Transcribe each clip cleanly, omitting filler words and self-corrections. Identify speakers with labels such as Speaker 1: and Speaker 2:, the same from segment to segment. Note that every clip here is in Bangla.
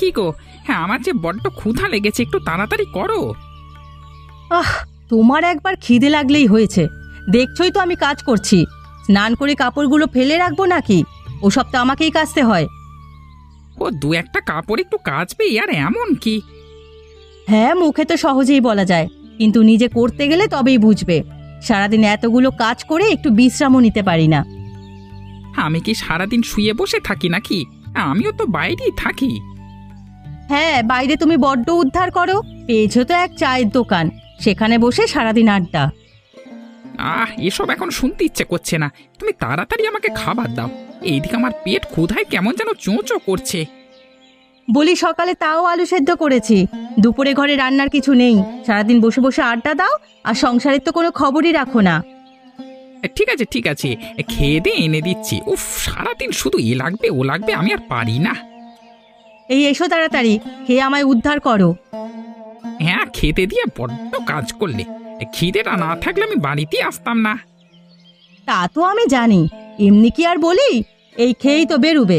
Speaker 1: কি গো? হ্যাঁ, আমার যে বড্ড ক্ষুধা লেগেছে, একটু তাড়াতাড়ি করো।
Speaker 2: আহ, তোমার একবার খিদে লাগলেই হয়েছে। দেখছই তো আমি কাজ করছি। স্নান করে কাপড়গুলো ফেলে রাখবো নাকি? ওসব তো আমাকেই কাচতে হয়।
Speaker 1: ও দু একটা কাপড় একটু কাচবে, আর এমন কি?
Speaker 2: হ্যাঁ, মুখে তো সহজেই বলা যায়, কিন্তু নিজে করতে গেলে তবেই বুঝবে। সারাদিন এতগুলো কাজ করে একটু বিশ্রামও নিতে পারি না।
Speaker 1: আমি কি সারাদিন শুয়ে বসে থাকি নাকি? আমিও তো বাইরেই থাকি।
Speaker 2: হ্যাঁ, বাইরে তুমি বড্ড উদ্ধার করো। পেয়েছো তো এক চায়ের দোকান, সেখানে বসে সারাদিন আড্ডা।
Speaker 1: এসব এখন শুনতে ইচ্ছে করছে না। তুমি তাড়াতাড়ি আমাকে খাবার দাও। এইদিকে আমার পেট ক্ষুধায় কেমন যেন চোঁচো করছে।
Speaker 2: বলি, সকালে তাও আলু সেদ্ধ করেছি। দুপুরে ঘরে রান্নার কিছু নেই। সারাদিন বসে বসে আড্ডা দাও, আর সংসারের তো কোনো খবরই রাখো না।
Speaker 1: ঠিক আছে ঠিক আছে, খেয়ে দিয়ে এনে দিচ্ছি। উফ, সারাদিন শুধু এ লাগবে ও লাগবে, আমি আর পারি না।
Speaker 2: এই এসো তাড়াতাড়ি, খেয়ে আমায় উদ্ধার করো।
Speaker 1: হ্যাঁ, খেতে দিয়ে বড্ড কাজ করলে। খিদেটা না থাকলে আমি বাড়িতেই আসতাম না।
Speaker 2: তা তো আমি জানি, এমনি কি আর বলি? এই খেয়েই তো বেরুবে।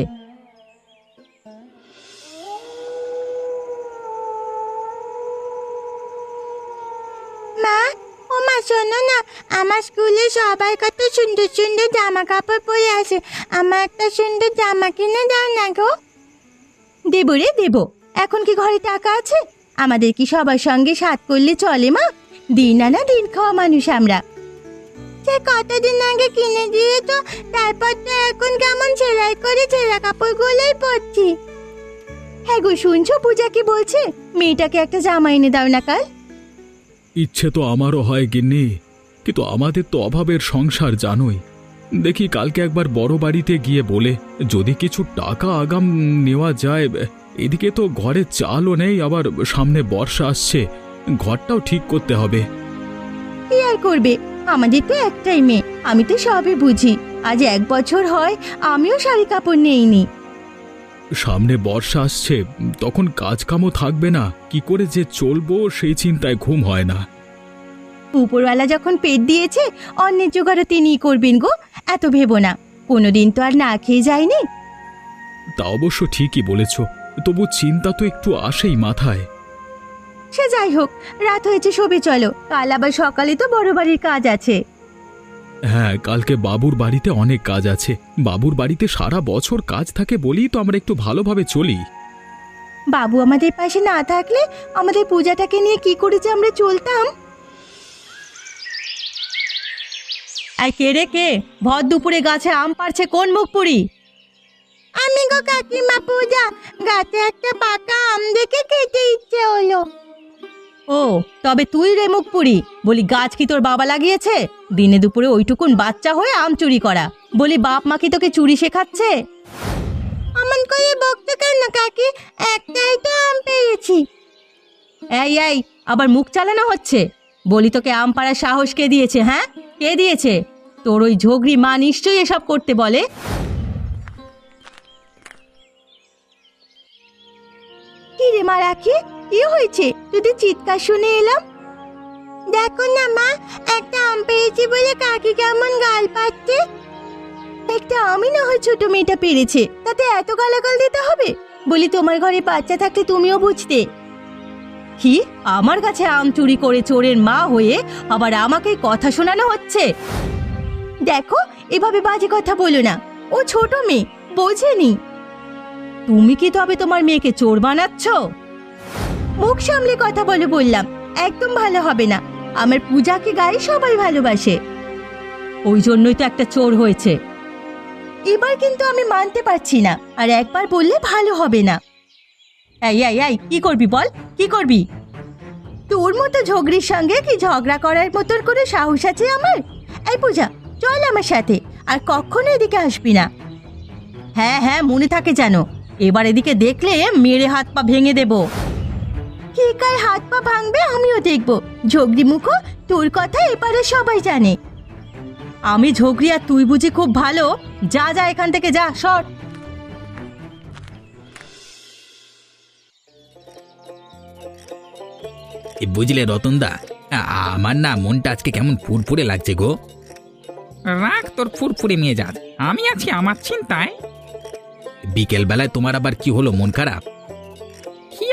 Speaker 3: মা, ও মা, শোনো না, আমার স্কুলে সবাই কত সুন্দর সুন্দর জামা কাপড় পরে আসে। আমার একটা সুন্দর জামা কিনে দাও না গো।
Speaker 2: দেবো রে দেবো। এখন কি ঘরে টাকা আছে? আমাদের কি সবার সঙ্গে সাথ করলে চলে মা? দিন আনা দিন খাওয়া মানুষ আমরা।
Speaker 3: সে কতদিন আগে কিনে দিয়ে তো, তারপর তো এখন কেমন সেলাই করে ছেঁড়া কাপড়গুলোই পরছি।
Speaker 2: হ্যাঁ গো, শুনছো পূজা কি বলছে? মেয়েটাকে একটা জামা এনে দাও না কাল।
Speaker 4: ইচ্ছে তো আমারও হয় গিন্নি, কিন্তু আমাদের তো অভাবের সংসার জানোই। দেখি কালকে একবার বড় বাড়িতে গিয়ে বলে যদি কিছু টাকা আগাম নেওয়া যায়। এদিকে তো ঘরে চালও নেই, আবার সামনে বর্ষা আসছে, ঘরটাও ঠিক করতে হবে।
Speaker 2: কি আর করবে, আমাদের তো একটাই মেয়ে। আমি তো সবই বুঝি। আজ 1 বছর হয় আমিও শাড়ি কাপড় নেইনি।
Speaker 4: সামনে বর্ষা আসছে, তখন কাজকামও থাকবে না, কি করে যে চলবো সেই চিন্তায় ঘুম হয় না।
Speaker 2: উপরওয়ালা যখন পেট দিয়েছে, অন্যের জোগাড়ও তিনিই করবেন গো। এত ভেবো না, কোনোদিন তো আর না খেয়ে যায়নি।
Speaker 4: তা অবশ্য ঠিকই বলেছ, তবু চিন্তা তো একটু আসেই মাথায়।
Speaker 2: সে যাই হোক, রাত হয়েছে, শোবে চলো। কাল আবার সকালে তো বড় বাড়ির কাজ আছে।
Speaker 4: হ্যাঁ, কালকে বাবুর বাড়িতে অনেক কাজ আছে। বাবুর বাড়িতে সারা বছর কাজ থাকে বলেই তো আমরা একটু ভালোভাবে চলি।
Speaker 2: বাবু আমাদের পাশে না থাকলে আমাদের পূজাটাকে নিয়ে কি করে যে আমরা চলতাম। আর কে রে কে? ভর দুপুরে গাছে আম পাড়ছে কোন মুখ পুরি?
Speaker 3: আমি গো কাকিমা পূজা, গাছে একটা পাকা আম দেখে খেতে ইচ্ছে হলো।
Speaker 2: ও, তবে তুই রে মুখ পুরি? বলি, গাছ কি তোর বাবা লাগিয়েছে? দিনে দুপুরে ওইটুকুন বাচ্চা হয়ে আম চুরি করা। বলি, বাপ মা কি তোকে চুরি শেখাচ্ছে?
Speaker 3: অমন করে বকতে কেন কাকি? একটাই তো আম পেয়েছি।
Speaker 2: এই এই, আবার মুখ চালানো হচ্ছে? বলি, তোকে আম পাড়ার সাহস কে দিয়েছে? হ্যাঁ, কে দিয়েছে? তোর ওই ঝগড়ি মা নিশ্চয়ই এসব করতে বলে।
Speaker 3: কি রে মা রাখি, কি হয়েছে? তোদের চিৎকার শুনে এলাম। দেখো না মা, একটা আম পেয়েছি বলে কাকি কেমন গাল পাচ্ছে।
Speaker 2: একটা আমি না হয় ছোট মেয়েটা পেরেছে, তাতে এত গালাগাল দিতে হবে? বলি, তোমার ঘরে বাচ্চা থাকলে তুমিও বুঝতে। কি, আমার কাছে আম চুরি করে চোরের মা হয়ে আবার আমাকে কথা শোনানো হচ্ছে? দেখো, এভাবে বাজে কথা বলো না। ও ছোট মেয়ে, বোঝেনি। তুমি কি তবে তোমার মেয়েকে চোর বানাচ্ছ? মুখ সামলে কথা বলে বললাম, একদম ভালো হবে না। আমার পূজাকে গায়ে সবাই ভালোবাসে, ওই জন্যই তো একটা চোর হয়েছে। এবার কিন্তু আমি মানতে পারছি না, আর একবার বললে ভালো হবে না। এই এই এই, কি করবি বল, কি করবি? তোর মতো ঝগড়ির সঙ্গে কি ঝগড়া করার মতন করে সাহস আছে আমার? এই পূজা, চল আমার সাথে, আর কখনো এদিকে আসবি না। হ্যাঁ হ্যাঁ, মনে থাকে যেন। এবার এদিকে দেখলে মেরে হাত পা ভেঙে দেব। কে কার হাত পা ভাঙবে আমিও দেখব। ঝগড়ি মুখো, তোর কথা এপারে সবাই জানে। আমি ঝগড়ি আর তুই বুঝি খুব ভালো? যা যা এখান থেকে, যা, সর।
Speaker 5: বুঝলে রতনদা, আমার না মনটা আজকে কেমন ফুরফুরে লাগছে গো।
Speaker 1: রাখ তোর ফুরফুরে মেজাজ, আমি আছি আমার চিন্তায়।
Speaker 5: বিকেল বেলায় তোমার আবার কি হলো, মন খারাপ?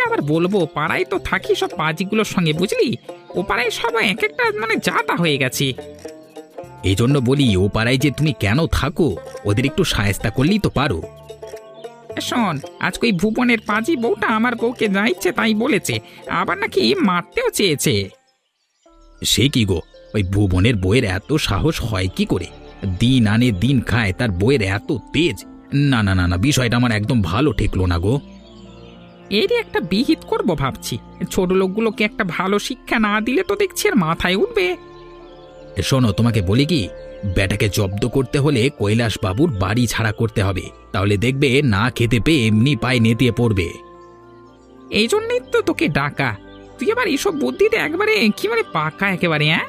Speaker 1: আবার বলবো, পাড়ায় তো থাকি সব পাজিগুলোর সঙ্গে, বুঝলি? ও পাড়ায় সবাই এক একটা মানে জাতা হয়ে গেছে।
Speaker 5: এই জন্য বলি, ও পাড়ায় যে তুমি কেন থাকো, ওদের একটু সায়স্তা করলেই তো পারো।
Speaker 1: শোন, আজকে ওই ভুবনের পাজি বউটা আমার বউকে যা ইচ্ছে তাই বলেছে, আবার নাকি মারতেও চেয়েছে।
Speaker 5: সে কি গো, ওই ভুবনের বইয়ের এত সাহস হয় কি করে? দিন আনে দিন খায়, তার বইয়ের এত তেজ! না না না না, বিষয়টা আমার একদম ভালো ঠেকলো না গো।
Speaker 1: এরই একটা বিহিত করব ভাবছি। ছোট লোকগুলোকে একটা ভালো শিক্ষা না দিলে তো দেখছি আর মাথায় উঠবে।
Speaker 5: শোনো, তোমাকে বলি কি, বেটাকে জব্দ করতে হলে কৈলাস বাবুর বাড়ি ছাড়া করতে হবে, তাহলে দেখবে না খেতে পেয়ে এমনি পায়ে নেতিয়ে পড়বে।
Speaker 1: এই জন্যই তো তোকে ডাকা। তুই আবার এসব বুদ্ধিতে একবারে কি মানে পাকা একেবারে, হ্যাঁ?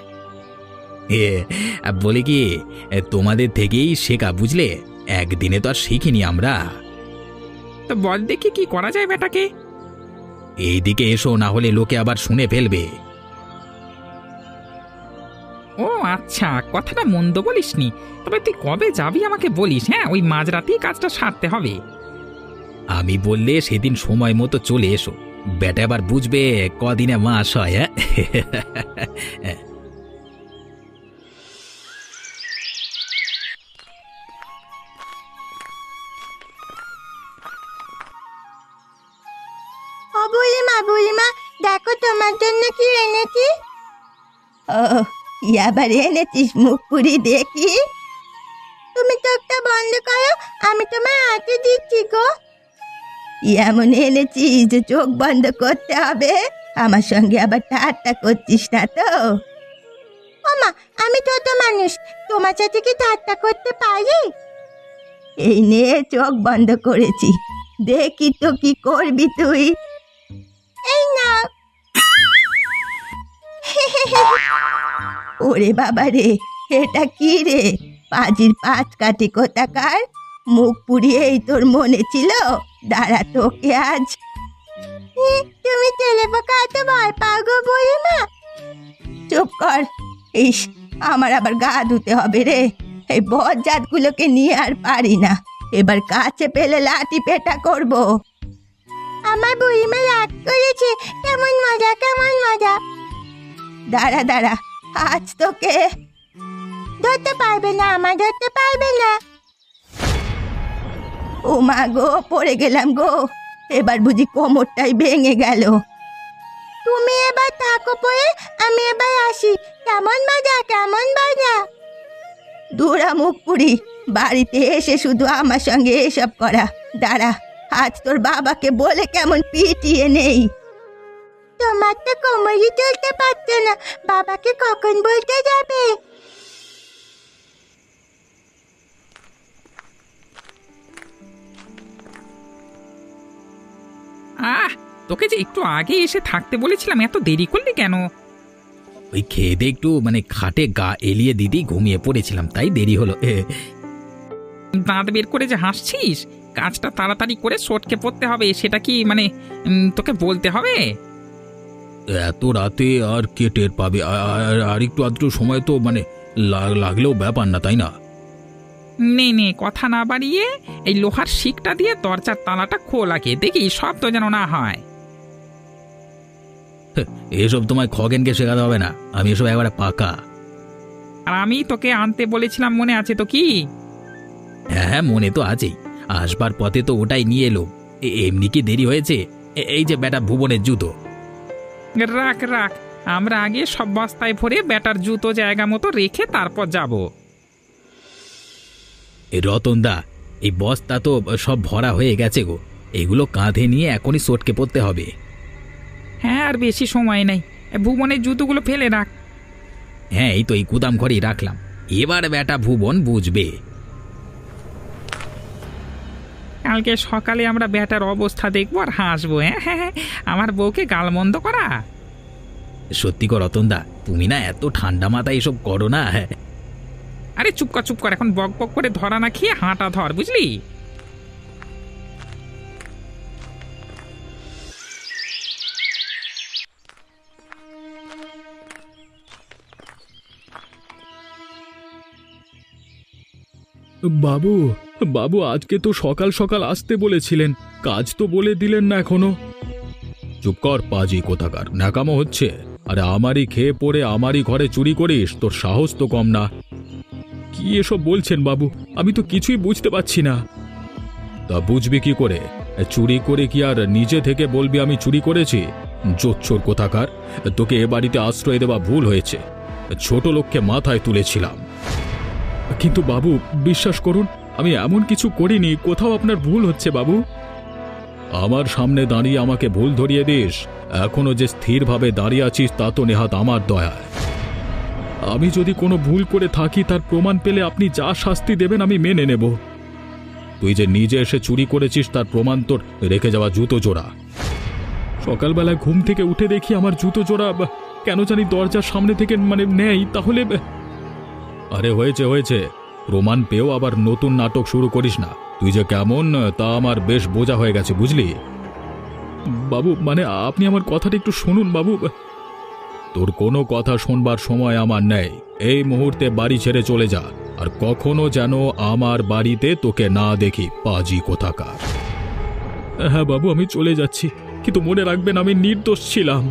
Speaker 5: বলি কি, তোমাদের থেকেই শেখা, বুঝলে? একদিনে তো আর শিখিনি আমরা।
Speaker 1: তো বল দেখি কি করা যায় বেটাকে।
Speaker 5: এইদিকে এসো, না হলে লোকে আবার শুনে ফেলবে।
Speaker 1: ও আচ্ছা, কথাটা মন্দ বলিসনি। তবে তুই কবে যাবি আমাকে বলিস, হ্যাঁ? ওই মাঝরাতেই কাজটা সারতে হবে।
Speaker 5: আমি বললে সেদিন সময় মতো চলে এসো, বেটা আবার বুঝবে কদিনে মাস হয়। হ্যাঁ,
Speaker 3: ও বুড়িমা, দেখো তোমার জন্য কি এনেছি।
Speaker 2: ও, কি আবার এনেছিস মুখ পুরি দেখি?
Speaker 3: তুমি চোখটা বন্ধ করো, আমি তোমার হাতে দিচ্ছি গো।
Speaker 2: কি এমন এনেছিস যে চোখ বন্ধ করতে হবে? আমার সঙ্গে আবার ঠাট্টা করছিস না তো?
Speaker 3: ওমা, আমি ছোট মানুষ, তোমার সাথে কি ঠাট্টা করতে পারি?
Speaker 2: এই নে চোখ বন্ধ করেছি, দেখি তো কি করবি তুই।
Speaker 3: এই না।
Speaker 2: ওরে বাবা রে, এটা কি রে? পাজির পাঁচ কাটি কোথাকার! মুখ পুড়িয়েই তোর মনে ছিল? দাঁড়া, তোকে আজ।
Speaker 3: তুমি তেলে পোকা এত ভয় পাও গো বুড়িমা?
Speaker 2: চুপ কর। ইস, আমার আবার গা ধুতে হবে রে। এই বজ্জাতগুলোকে নিয়ে আর পারি না। এবার কাছে পেলে লাঠি পেটা করব।
Speaker 3: আমার বুড়িমা রাগ করেছে। কেমন মজা, কেমন মজা।
Speaker 2: দাঁড়া দাঁড়া, আজ তোকে।
Speaker 3: ধরতে পারবে না, আমার ধরতে পারবে না।
Speaker 2: ও মা গো, পড়ে গেলাম গো। এবার বুঝি কোমরটাই ভেঙে গেল।
Speaker 3: তুমি এবার থাকো পরে, আমি এবার আসি। কেমন মজা, কেমন মজা।
Speaker 2: দুরা মুখ পুরি, বাড়িতে এসে শুধু আমার সঙ্গে এসব করা। দাঁড়া, আজ তোর বাবাকে বলে কেমন পিটিয়ে নেই।
Speaker 3: তোমার তো কোমরই চলতে পারছো না, বাবাকে কখন বলতে যাবে?
Speaker 1: তোকে যে একটু আগে এসে থাকতে বলেছিলাম, এত দেরি করলি কেন?
Speaker 5: ওই খেয়ে দিয়ে একটু মানে খাটে গা এলিয়ে দিদি ঘুমিয়ে পড়েছিলাম, তাই দেরি হলো।
Speaker 1: দাঁত বের করে যে হাসছিস, কাজটা তাড়াতাড়ি করে সটকে পড়তে হবে, সেটা কি মানে তোকে বলতে হবে?
Speaker 5: এত রাতে আর কে টের পাবে? আর একটু আধটু সময় তো মানে লাগলেও ব্যাপার না, তাই না?
Speaker 1: নে কথা না বাড়িয়ে এই লোহার শিকটা দিয়ে দরজার তালাটা খোলাকে দেখি, শব্দ যেন না হয়।
Speaker 5: এসব তোমায় খগেনকে শেখাতে হবে না, আমি এসব একবারে পাকা।
Speaker 1: আর আমি তোকে আনতে বলেছিলাম, মনে আছে তো? কি?
Speaker 5: হ্যাঁ, মনে তো আছেই। আসবার পথে তো ওটাই নিয়ে এলো। এমনি কি দেরি হয়েছে? এই যে বেটা ভুবনের জুতো।
Speaker 1: রাখ, আমরা আগে সব বস্তায় ভরে ব্যাটার জুতো জায়গা মতো রেখে তারপর যাব।
Speaker 5: রতনদা, এই বস্তা তো সব ভরা হয়ে গেছে গো, এগুলো কাঁধে নিয়ে এখনই সটকে পড়তে হবে।
Speaker 1: হ্যাঁ, আর বেশি সময় নেই। ভুবনের জুতোগুলো ফেলে রাখ।
Speaker 5: হ্যাঁ, এই তো এই গুদাম ঘরেই রাখলাম। এবার বেটা ভুবন বুঝবে।
Speaker 1: কালকে সকালে আমরা ব্যাটার অবস্থা দেখবো আর হাসবো। হ্যাঁ, আমার বউকে গালমন্দ করা।
Speaker 5: সত্যি কর রতনদা, তুমি না এত ঠান্ডা মাথায় এসব করো না।
Speaker 1: আরে চুপ কর, এখন বক বক করে ধরা না খেয়ে হাঁটা ধর, বুঝলি?
Speaker 4: বাবু, বাবু, আজকে তো সকাল সকাল আসতে বলেছিলেন, কাজ তো বলে দিলেন না এখনো। চুপ কর পাজি কোথাকার, ন্যাকামো হচ্ছে। আরে আমারই খেয়ে পড়ে আমারই ঘরে চুরি করিস, তোর সাহস তো কম না। কি এসব বলছেন বাবু, আমি তো কিছুই বুঝতে পারছি না। তা বুঝবি কি করে? চুরি করে কি আর নিজে থেকে বলবি আমি চুরি করেছি? জোচ্চোর কোথাকার, তোকে এ বাড়িতে আশ্রয় দেওয়া ভুল হয়েছে। ছোট লোককে মাথায় তুলেছিলাম। কিন্তু বাবু বিশ্বাস করুন, আমি এমন কিছু করিনি, কোথাও আপনার ভুল হচ্ছে বাবু। আমার সামনে দাঁড়িয়ে আমাকে ভুল ধরিয়ে দিস? এখনো যে স্থিরভাবে দাঁড়িয়ে আছিস তা তো নেহাত আমার দয়ায়। আমি যদি কোনো ভুল করে থাকি তার প্রমাণ পেলে আপনি যা শাস্তি দেবেন আমি মেনে নেব। তুই যে নিজে এসে চুরি করেছিস তার প্রমাণ তোর রেখে যাওয়া জুতো জোড়া। সকালবেলায় ঘুম থেকে উঠে দেখি আমার জুতো জোড়া কেন জানি দরজার সামনে থেকে নেই। তাহলে আরে হয়েছে হয়েছে, প্রমাণ পেয়েও আবার নতুন নাটক শুরু করিস না। তুই যে কেমন তা আমার বেশ বোঝা হয়ে গেছে, বুঝলি? বাবু আপনি আমার কথাটা একটু শুনুন বাবু। তোর কোনো কথা শোনবার সময় আমার নেই। এই মুহূর্তে বাড়ি ছেড়ে চলে যা, আর কখনো যেন আমার বাড়িতে তোকে না দেখি, পাজি কোথাকার। হ্যাঁ বাবু, আমি চলে যাচ্ছি, কিন্তু মনে রাখবেন আমি নির্দোষ ছিলাম।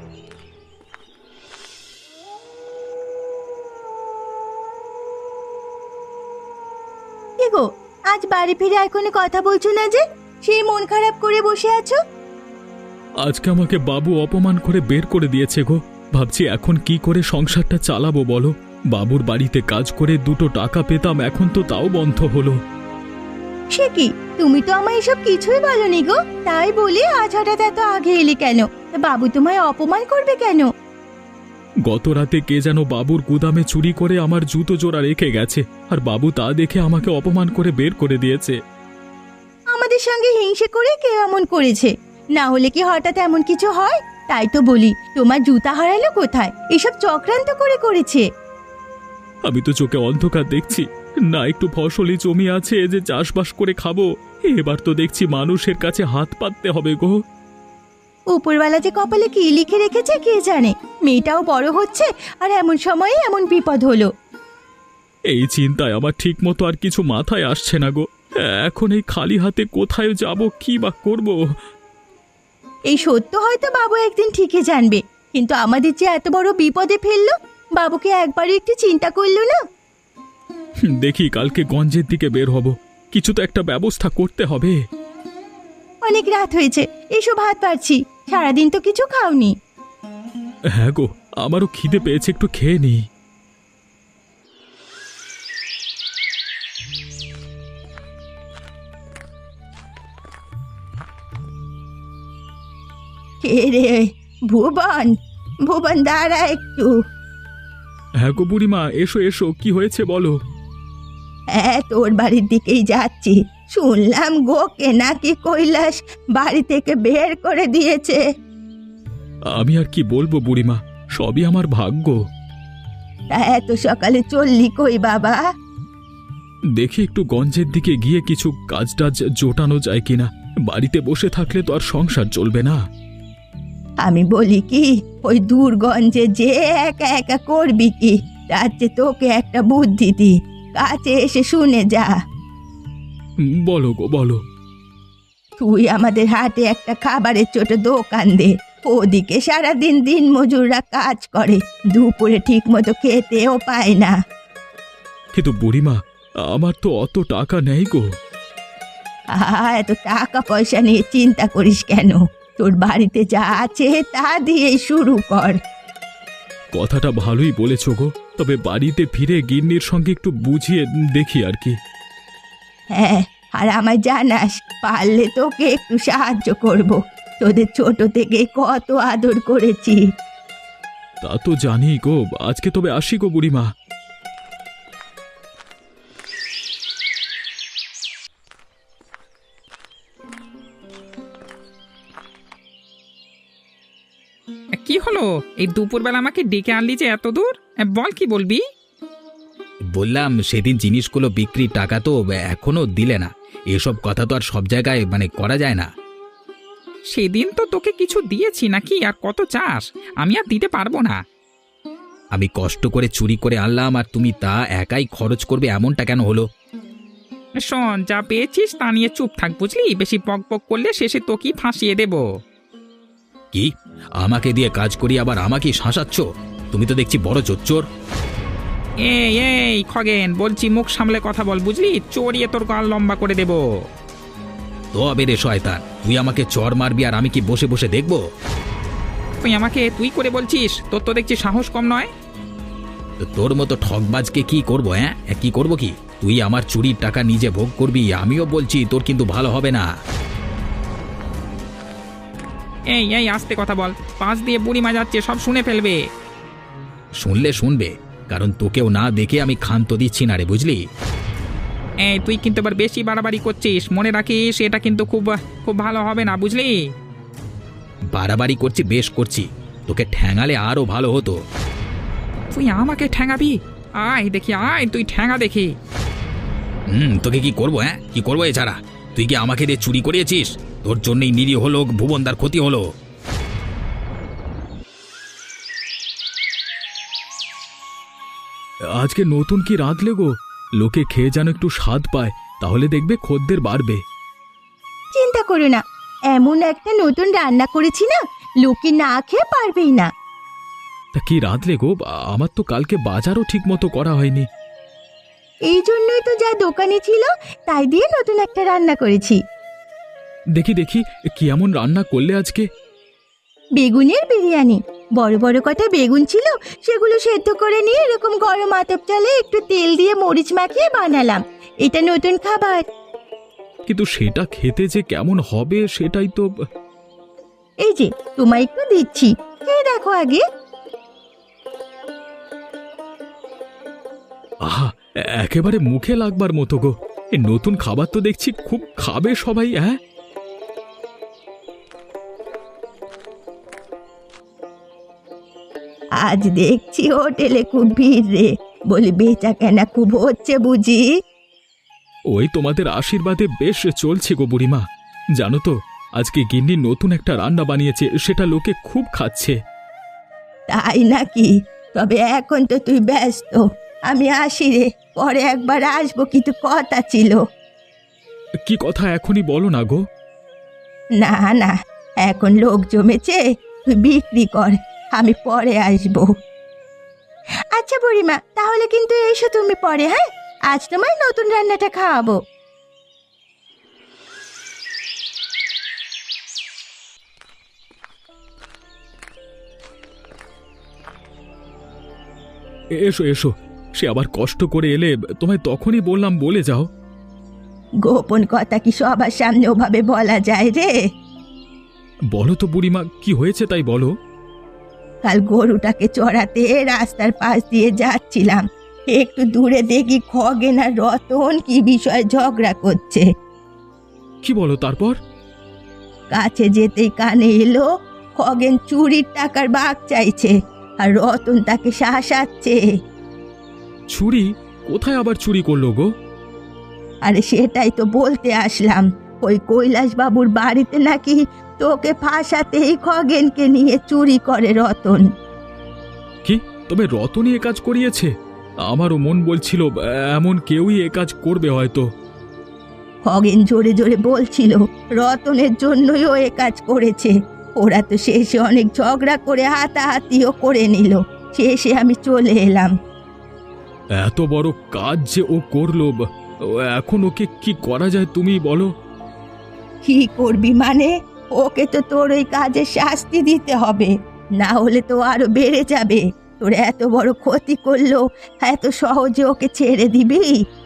Speaker 2: কি গো, আজ বাড়ি ফিরে এখনো কথা বলছো না যে? সেই মন খারাপ করে বসে আছো?
Speaker 4: আজকে আমাকে বাবু অপমান করে বের করে দিয়েছে গো। ভাবছি এখন কি করে সংসারটা চালাবো বলো। বাবুর বাড়িতে কাজ করে দুটো টাকা পেতাম, এখন তো তাও বন্ধ হলো।
Speaker 2: সে কি, তুমি তো আমায় এসব কিছুই বলনি গো। তাই বলে আজ হঠাৎ এত আগে এলে কেন? তা বাবু তোমায় অপমান করবে কেন?
Speaker 4: গত রাতে কে যেন বাবুর গুদামে চুরি করে আমার জুতো জোড়া রেখে গেছে, আর বাবু তা দেখে আমাকে অপমান করে বের করে দিয়েছে।
Speaker 2: আমাদের সঙ্গে হিংসে করে কেউ এমন করেছে, না হলে কি হঠাৎ এমন কিছু হয়? তাই তো বলি, তোমার জুতা হারালো কোথায়? এসব চক্রান্ত করে করেছে।
Speaker 4: আমি তো চোখে অন্ধকার দেখছি না, একটু ফসলি জমি আছে যে চাষবাস করে খাবো, এবার তো দেখছি মানুষের কাছে হাত পাততে হবে গো।
Speaker 2: উপরওয়ালা যে কপালে কি লিখে রেখেছে কে জানে। মেয়েটাও বড় হচ্ছে, আর এমন সময়ে এমন বিপদ হলো।
Speaker 4: এই চিন্তায় আমার ঠিক মতো আর কিছু মাথায় আসছে না গো। এখন এই খালি হাতে কোথায় যাব, কি বা করব?
Speaker 2: এই সত্য হয়তো বাবু একদিন ঠিকই জানবে, কিন্তু আমাদের যে এত বড় বিপদে ফেললো, বাবুকে একবারও একটু চিন্তা করলো না?
Speaker 4: দেখি কালকে গঞ্জের দিকে বের হব, কিছু তো একটা ব্যবস্থা করতে হবে।
Speaker 2: অনেক রাত হয়েছে, এসো ভাত পারছি। সারাদিন তো কিছু খাওনি।
Speaker 4: হ্যাঁ গো, আমারও খিদে পেয়েছে, একটু খেয়ে নিই।
Speaker 2: কে রে? ভুবন, ভুবন দাঁড়া একটু।
Speaker 4: হ্যাঁ গো বুড়িমা, এসো এসো, কি হয়েছে বলো।
Speaker 2: হ্যাঁ, তোর বাড়ির দিকেই যাচ্ছি। শুনলাম গোকে নাকি কৈলাস বাড়ি থেকে বের করে দিয়েছে।
Speaker 4: আমি আর কি বলবো বুড়িমা, সবই আমার ভাগ্য।
Speaker 2: তা এত সকালে চললি কই বাবা?
Speaker 4: দেখি একটু গঞ্জের দিকে গিয়ে কিছু কাজ টাজ জোটানো যায় কিনা। বাড়িতে বসে থাকলে তো আর সংসার চলবে না।
Speaker 2: আমি বলি কি, ওই দূরগঞ্জে যে একা একা করবি কি? তার চেয়ে তোকে একটা বুদ্ধি দি, কাছে এসে শুনে যা।
Speaker 4: বলো গো বলো।
Speaker 2: তুই আমাদের হাটে একটা খাবারের ছোট দোকান দে। ওদিকে সারাদিন দিন মজুররা কাজ করে, দুপুরে ঠিক মতো খেতেও পায় না।
Speaker 4: কিন্তু বুড়িমা, আমার তো অত টাকা নেই গো।
Speaker 2: এত টাকা পয়সা নিয়ে চিন্তা করিস কেন? তোর বাড়িতে যা আছে তা দিয়ে শুরু কর।
Speaker 4: কথাটা ভালোই বলেছ গো, তবে বাড়িতে ফিরে গিন্নির সঙ্গে একটু বুঝিয়ে দেখি আর কি।
Speaker 2: হ্যাঁ, আর আমায় জানাস, পারলে তোকে একটু সাহায্য করব। তোদের ছোট থেকে কত আদর করেছি।
Speaker 4: তা তো জানি গো, আজকে তবে আসি গো বুড়িমা।
Speaker 1: কি হলো? এই দুপুরবেলা আমাকে ডেকে আনলি যে এত দূর? বল, কি বলবি?
Speaker 5: বললাম সেদিন জিনিসগুলো বিক্রির টাকা তো এখনো দিলে না। এসব কথা তো আর সব জায়গায় করা যায় না।
Speaker 1: সেদিন তো তোকে কিছু দিয়েছি নাকি, আর কত চাস? আমি আর দিতে পারবো না।
Speaker 5: আমি কষ্ট করে চুরি করে আনলাম, আর তুমি তা একাই খরচ করবে, এমনটা কেন হলো?
Speaker 1: শোন, যা পেয়েছিস তা নিয়ে চুপ থাক, বুঝলি? বেশি বক বক করলে শেষে তোকেই ফাঁসিয়ে দেব।
Speaker 5: কি আমাকে দিয়ে কাজ করি আবার আমাকে শাসাচ্ছ? তুমি তো দেখছি বড় চোর।
Speaker 1: এই এই খগেন, বলছি মুখ সামলে কথা বল, বুঝলি? চড়িয়ে তোর গাল লম্বা করে দেব।
Speaker 5: তবে রে শয়তান, তুই আমাকে চর মারবি আর আমি কি বসে বসে দেখবো?
Speaker 1: তুই আমাকে তুই করে বলছিস? তোর তো দেখছি সাহস কম নয়।
Speaker 5: তো তোর মতো ঠকবাজকে কি করবো? হ্যাঁ, কি করবো কি? তুই আমার চুরির টাকা নিজে ভোগ করবি, আমিও বলছি তোর কিন্তু ভালো হবে না।
Speaker 1: এই এই আস্তে কথা বল, পাশ দিয়ে বুড়িমা যাচ্ছে, সব শুনে ফেলবে।
Speaker 5: শুনলে শুনবে, কারণ তোকেও না দেখে আমি ক্ষান্ত দিচ্ছি না রে, বুঝলি?
Speaker 1: এই তুই কিন্তু এবার বেশি বাড়াবাড়ি করছিস, মনে রাখিস এটা কিন্তু খুব খুব ভালো হবে না, বুঝলি?
Speaker 5: বাড়াবাড়ি করছি, বেশ করছি। তোকে ঠ্যাঙালে আরো ভালো হতো।
Speaker 1: তুই আমাকে ঠ্যাঙাবি? আয় দেখি, আয় তুই ঠ্যাঙা দেখি।
Speaker 5: তোকে কি করবো? হ্যাঁ, কি করবো এছাড়া? তুই কি আমাকে দিয়ে চুরি করিয়েছিস? তোর জন্যই নিরীহ লোক ভুবনদার ক্ষতি হলো।
Speaker 4: আজকে নতুন কি রাঁধলে গো? লোকে খেয়ে যেন একটু স্বাদ পায়, তাহলে দেখবে খদ্দের বাড়বে।
Speaker 2: চিন্তা করো না, এমন একটা নতুন রান্না করেছি না, লোকে না খেয়ে পারবেই না।
Speaker 4: তা কি রাঁধলে গো? আমার তো কালকে বাজারও ঠিক মতো করা হয়নি।
Speaker 2: এই জন্যই তো যা দোকানে ছিল তাই দিয়ে নতুন একটা রান্না করেছি।
Speaker 4: দেখি দেখি, কি এমন রান্না করলে আজকে?
Speaker 2: বেগুনের বিরিয়ানি। বড় বড় কটা বেগুন ছিল, সেগুলো সেদ্ধ করে নিয়ে এরকম গরম আতপ চালে একটু তেল দিয়ে মরিচ মাখিয়ে বানালাম। এটা নতুন খাবার।
Speaker 4: কিন্তু সেটা খেতে যে কেমন হবে সেটাই তো।
Speaker 2: এই যে তোমায় একটু দিচ্ছি, খেয়ে দেখো আগে।
Speaker 4: আহা, একেবারে মুখে লাগবার মতো গো। এই নতুন খাবার তো দেখছি খুব খাবে সবাই। হ্যাঁ,
Speaker 2: আজ দেখছি হোটেলে খুব ভিড় রে, বলি বেচা কেনা খুব হচ্ছে বুঝি?
Speaker 4: ওই তোমাদের আশীর্বাদে বেশ চলছে গো বুড়িমা। জানো তো, আজকে গিন্নি নতুন একটা রান্না বানিয়েছে, সেটা লোকে খুব খাচ্ছে।
Speaker 2: তাই নাকি? তবে এখন তো তুই ব্যস্ত, আমি আসি রে, পরে একবার আসবো, কিন্তু কথা ছিল।
Speaker 4: কি কথা এখনই বলো না গো।
Speaker 2: না না, এখন লোক জমেছে, তুই বিক্রি কর, আমি পরে আসবো। আচ্ছা বুড়িমা, তাহলে কিন্তু এসো তুমি পরে। হ্যাঁ, আজ তোমায় নতুন রান্নাটা খাওয়াবো।
Speaker 4: এসো এসো, সে আবার কষ্ট করে এলে, তোমায় তখনই বললাম বলে যাও।
Speaker 2: গোপন কথা কি সবার সামনে ওভাবে বলা যায় রে?
Speaker 4: বলো তো বুড়িমা, কি হয়েছে তাই বলো।
Speaker 2: কাল গরুটাকে চড়াতে রাস্তার পাশ দিয়ে যাচ্ছিলাম, একটু দূরে দেখি খগেন আর রতন কি বিষয়ে ঝগড়া করছে।
Speaker 4: কি বলো তারপর?
Speaker 2: কাছে যেতেই কানে এলো খগেন চুরির টাকার ভাগ চাইছে, আর রতন তাকে শাসাচ্ছে।
Speaker 4: চুরি? কোথায় আবার চুরি করলো গো?
Speaker 2: আরে সেটাই তো বলতে আসলাম, ওই কৈলাস বাবুর বাড়িতে নাকি তোকে ফাঁসাতেই খগেনকে নিয়ে চুরি করে রতন।
Speaker 4: কি, তবে রতনই এ কাজ করিয়েছে? আমারও মন বলছিল এমন কেউই এ কাজ করবে হয়তো।
Speaker 2: খগেন জোরে জোরে বলছিল রতনের জন্যই ও এ কাজ করেছে। ওরা তো শেষে অনেক ঝগড়া করে হাতাহাতিও করে নিল, শেষে আমি চলে এলাম।
Speaker 4: এত বড় কাজ যে ও করলো, এখন ওকে কি করা যায় তুমি বলো?
Speaker 2: কি করবি মানে? ওকে তো তোর ওই কাজের শাস্তি দিতে হবে, না হলে তো আরো বেড়ে যাবে। তোর এত বড় ক্ষতি করলো, এত সহজে ওকে ছেড়ে দিবি?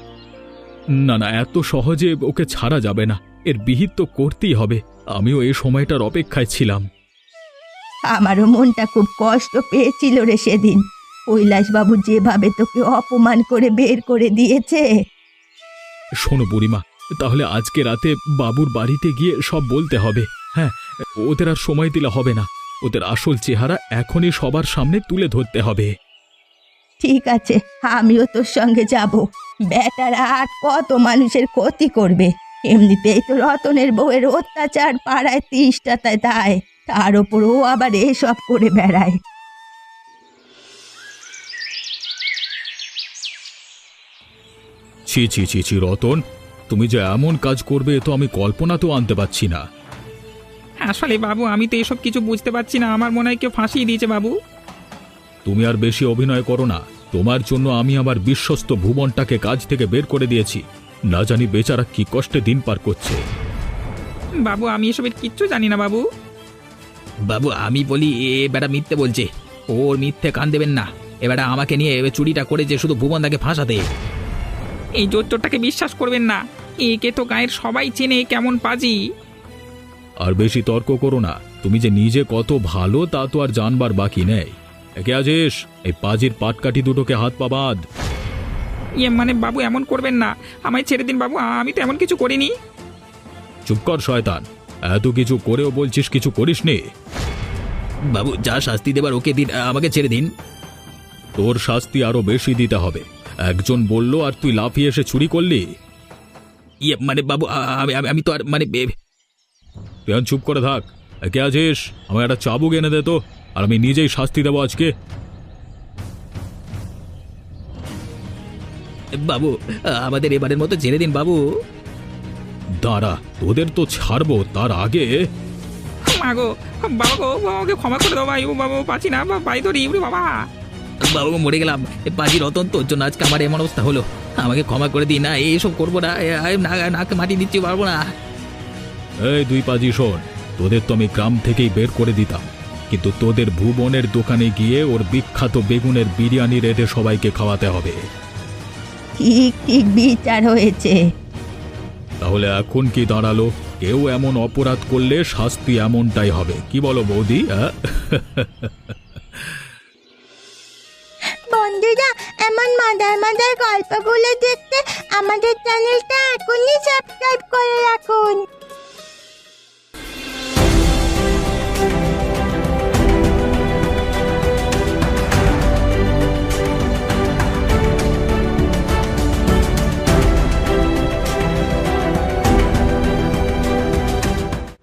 Speaker 4: না না, এত সহজে ওকে ছাড়া যাবে না, এর বিহিত তো করতেই হবে। আমিও এই সময়টার অপেক্ষায় ছিলাম।
Speaker 2: আমারও মনটা খুব কষ্ট পেয়েছিল রে সেদিন, কৈলাসবাবু যেভাবে তোকে অপমান করে বের করে দিয়েছে।
Speaker 4: শোনো বুড়িমা, তাহলে আজকে রাতে বাবুর বাড়িতে গিয়ে সব বলতে হবে। হ্যাঁ, ওদের আর সময় দিলে হবে না, ওদের আসল চেহারা এখনই সবার সামনে তুলে ধরতে হবে।
Speaker 2: ঠিক আছে, আমিও তোর সঙ্গে যাব। বেটারা আর কত মানুষের ক্ষতি করবে? এমনিতেই তো রতনের বউয়ের অত্যাচার পাড়ায় 30টা দায়, তার ওপর ও আবার এসব করে বেড়ায়।
Speaker 4: ছি ছি ছি ছি রতন, তুমি যে এমন কাজ করবে তো আমি কল্পনাতেও আনতে পারছি না।
Speaker 1: আসলে বাবু আমি তো এসব কিছু বুঝতে পারছি না, আমার মনে হয় কেউ ফাঁসিয়ে দিয়েছে বাবু।
Speaker 4: তুমি আর বেশি অভিনয় করো না। তোমার জন্য আমি আমার বিশ্বস্ত ভুবনটাকে কাজ থেকে বের করে দিয়েছি। না জানি বেচারা কি কষ্টে দিন পার করছে।
Speaker 1: বাবু আমি এসবের কিচ্ছু জানি না বাবু।
Speaker 5: বাবু আমি বলি এ বেটা মিথ্যে বলছে, ওর মিথ্যে কান দেবেন না। এবারে আমাকে নিয়ে চুরিটা করেছে শুধু ভুবনদাকে ফাঁসাতে।
Speaker 1: এই জোরটাকে বিশ্বাস করবেন না, একে তো গায়ের সবাই চেনে কেমন পাজি।
Speaker 4: আর বেশি তর্ক করো না। তুমি যে নিজে কত ভালো তা তো আর জানবার বাকি নেই। একে আজেশ, এই পাজির পাটকাঠি দুটোকে হাত পা বাঁধ।
Speaker 1: মানে বাবু এমন করবেন না, আমায় ছেড়ে দিন বাবু, আমি তো এমন কিছু করিনি।
Speaker 4: চুপ কর শয়তান, এত কিছু করেও বলছিস কিছু করিসনি।
Speaker 5: বাবু যা শাস্তি দেবার ওকে দিন, আমাকে ছেড়ে দিন।
Speaker 4: তোর শাস্তি আরো বেশি দিতে হবে। একজন বলল আর তুই লাফিয়ে এসে চুরি করলি।
Speaker 5: মানে বাবু আমি তো আর মানে
Speaker 4: তুই আর চুপ করে থাক। একে আছিস, আমার একটা চাবুক এনে দে তো, আর আমি নিজেই শাস্তি দেবো আজকে।
Speaker 5: বাবু আমাদের এবারের মতো ছেড়ে দিন বাবু।
Speaker 4: দাঁড়া, তোদের তো ছাড়বো, তার আগে
Speaker 1: মা গো, বাবা গো, বাবাকে ক্ষমা করে দাও ভাই, ও বাবা পাচ্ছি না, ভাই ধরি বাবা।
Speaker 5: বাবু মরে গেলাম, পাজি রতন তোর জন্য আজকে আমার এমন অবস্থা হলো, আমাকে ক্ষমা করে দিই। না এইসব করবো না, নাকে মাটি দিচ্ছি পারবো না।
Speaker 4: এই দুই পাজি শোন, তোদের তো আমি গ্রাম থেকেই বের করে দিতাম, কিন্তু তোদের ভুবনের দোকানে গিয়ে ওর বিখ্যাত বেগুনের বিরিয়ানি রেঁধে সবাইকে খাওয়াতে হবে।
Speaker 2: ঠিক ঠিক বিচার হয়েছে।
Speaker 4: তাহলে এখন কি দাঁড়ালো? কেউ এমন অপরাধ করলে শাস্তি এমনটাই হবে, কি বলো বৌদি?
Speaker 3: বন্ধুরা, এমন মজার মজার গল্পগুলো দেখতে আমাদের চ্যানেলটা এখনই সাবস্ক্রাইব করে রাখুন।